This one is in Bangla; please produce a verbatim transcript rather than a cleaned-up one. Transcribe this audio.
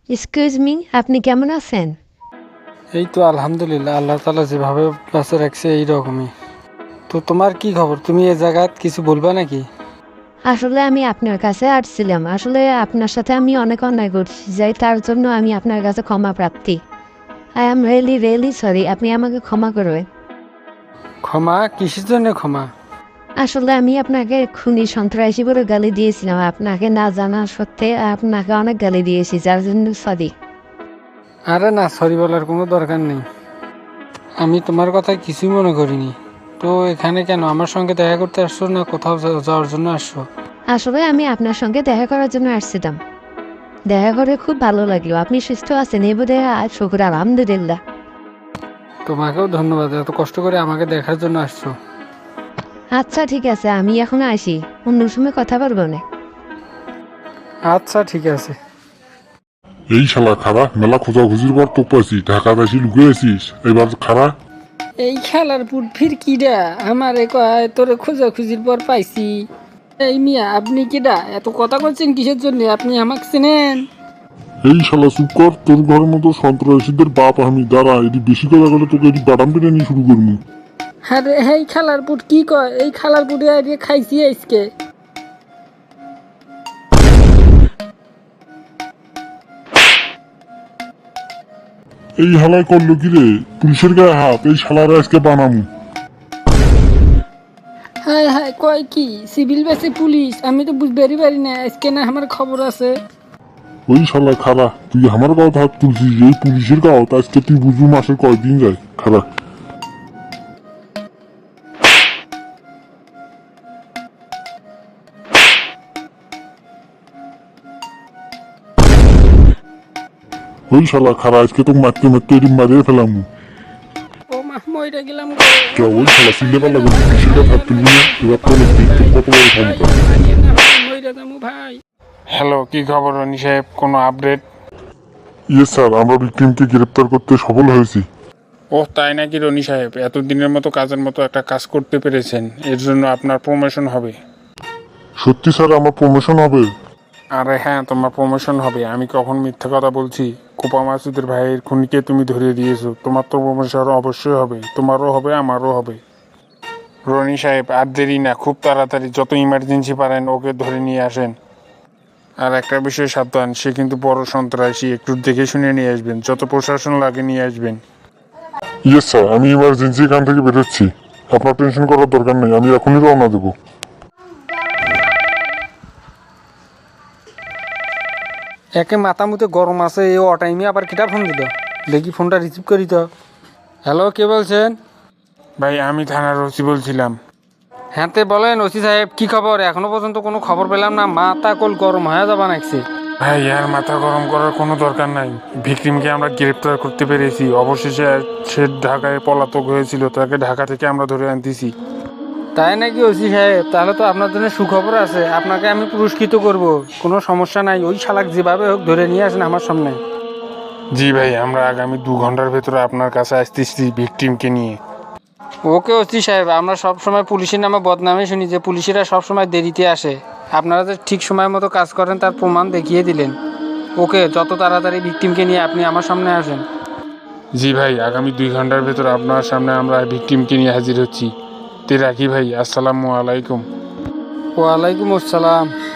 এক্সকিউজ মি, আপনি কেমন আছেন? এই তো আলহামদুলিল্লাহ, আল্লাহ তাআলা যেভাবে বাঁচে রাখছে এই রকমই। তো তোমার কি খবর? তুমি এ জায়গায় কিছু বলবা নাকি? আসলে আমি আপনার কাছে আসছিলাম। আসলে আপনার সাথে আমি অনেক অন্যায় করছি, যাই তার জন্য আমি আপনার কাছে ক্ষমা প্রার্থী। I am really really sorry, আপনি আমাকে ক্ষমা করবেন। ক্ষমা কিসের জন্য ক্ষমা? আসলে আমি আপনাকে খুনি সন্ত্রাসী বলে গালি দিয়েছিলাম, আপনাকে না জানা সত্ত্বে আপনাকে অনেক গালি দিয়েছি, যার জন্য সরি। আরে না, সরি বলার কোনো দরকার নেই। আমি তোমার কথা কিছুই মনে করিনি। তো এখানে কেন আমার সঙ্গে দেখা করতে আসছো, না কোথাও যা- যাওয়ার জন্য আসছো? আসলে আমি আপনার সঙ্গে দেখা করার জন্য আসছিলাম। দেখা করে খুব ভালো লাগলো। আপনি সুস্থ আছেন এই বোধ হয়, শুকুর আলহামদুলিল্লাহ। তোমাকেও ধন্যবাদ, এত কষ্ট করে আমাকে দেখার জন্য আসছো। আচ্ছা ঠিক আছে, আমি এখন আসি, অন্য সময় কথা বলবো না। আচ্ছা ঠিক আছে। এই শালা খারা, মেলা খোঁজাখুঁজির পর তো পাইছি, ঢাকা বেশি লুকিয়ে আছিস এবার খারা। এই খেলার পুট ফির কিডা আমারে কয় তোরে খোঁজাখুঁজির পর পাইছি। এই মিয়া আপনি কিডা এত কথা করছেন কিসের জন্য? আপনি আমাকে চেনেন? এই শালা চুপ কর, তোর ঘরের মতো সন্ত্রাসীদের বাপ আমি, দাঁড়া এটি বেশি কথা বলে তোকে এটি বাদাম পেটে নিয়ে শুরু করবো। আরে এই খেলার পুট কি কয়? এই খেলার পুটে আইডিয়া খাইছি আজকে। এই হালায় করলো কি রে, পুলিশের গায়ে হাত, এই শালারা আজকে বানামু। হায় হায় কয় কি সিভিল বেসে পুলিশ? আমি তো বুঝবারই পারি না, আজকে না আমার খবর আছে। ওই শালা খারা, তুই আমার গাঁত হাত তুলছিস, এই পুলিশের গাঁত আজকে তুই বুঝবো মাসে কয়দিন যায় খারা। ওই শালা খারা, আজকে তোকে মারতে মারতে এটি মারিয়ে ফেলাম। ও মা মইরা গেলাম গো। কে ওই শালা চিনতে পারলাম পুলিশের গাঁত হাত তুলবি না, এবার তো দেখবি তোর কত বড় ভাই ক্ষমতা। মারিয়েন না ভাই, মইরা যামু ভাই। হ্যালো, কি খবর রনি সাহেব? কোনো আপডেট? ইয়ে স্যার, আমরা ভিকটিমকে গ্রেপ্তার করতে সফল হয়েছি। ও তাই নাকি রনি সাহেব? এতদিনের মতো কাজের মতো একটা কাজ করতে পেরেছেন, এর জন্য আপনার প্রমোশন হবে। সত্যি স্যার আমার প্রমোশন হবে? আরে হ্যাঁ, তোমার প্রমোশন হবে। আমি কখন মিথ্যা কথা বলছি? কোপা মাসুদের ভাইয়ের খুনিকে তুমি ধরিয়ে দিয়েছো, তোমার তো প্রমোশন অবশ্যই হবে। তোমারও হবে, আমারও হবে। রনি সাহেব আর দেরি না, খুব তাড়াতাড়ি যত ইমার্জেন্সি পারেন ওকে ধরে নিয়ে আসেন। আর একটা বিষয় সাবধান, সে কিন্তু বড় সন্ত্রাসী, একটু দেখে শুনে নিয়ে আসবেন, যত প্রশাসন লাগে নিয়ে আসবেন। ইয়েস স্যার, আমি ইমার্জেন্সি এখান থেকে বেরোচ্ছি, আপনার টেনশন করার দরকার নেই, আমি এখনই রওনা দেবো। একে মাথা মুতে গরম আছে, এ অটাইমে আবার কিটা ফোন দিল, দেখি ফোনটা রিসিভ করি তো। হ্যালো, কে বলছেন? ভাই আমি থানার ওসি বলছিলাম। হ্যাঁ তে বলেন ওসি সাহেব, কি খবর? এখনো পর্যন্ত কোনো খবর পেলাম না, মাথা কোল গরম হয়ে যাবা নাকছে। ভাই আর মাথা গরম করার কোনো দরকার নাই, ভিকটিমকে আমরা গ্রেপ্তার করতে পেরেছি। অবশেষে সে ঢাকায় পলাতক হয়েছিল, তাকে ঢাকা থেকে আমরা ধরে আনতেছি। তাই নাকি ওসি সাহেব? তাহলে তো আপনার জন্য সুখবর আছে, আপনাকে আমি পুরস্কৃত করব। কোনো সমস্যা নাই, ওই শালাক যেভাবে হোক ধরে নিয়ে আসেন আমার সামনে। জি ভাই, আমরা আগামী দু ঘন্টার ভেতরে আপনার কাছে আসতেছি ভিকটিমকে নিয়ে। ওকে ওসি সাহেব, আমরা সব সময় পুলিশের নামে বদনামে শুনি যে পুলিশেরা সব সময় দেরিতে আসে। আপনারা যে ঠিক সময় মতো কাজ করেন তার প্রমাণ দেখিয়ে দিলেন। ওকে, যত তাড়াতাড়ি ভিকটিমকে নিয়ে আপনি আমার সামনে আসেন। জি ভাই, আগামী দুই ঘন্টার ভেতরে আপনার সামনে আমরা ভিকটিমকে নিয়ে হাজির হচ্ছি। তে রাখি ভাই, আসসালামু আলাইকুম। ওয়ালাইকুম আসসালাম।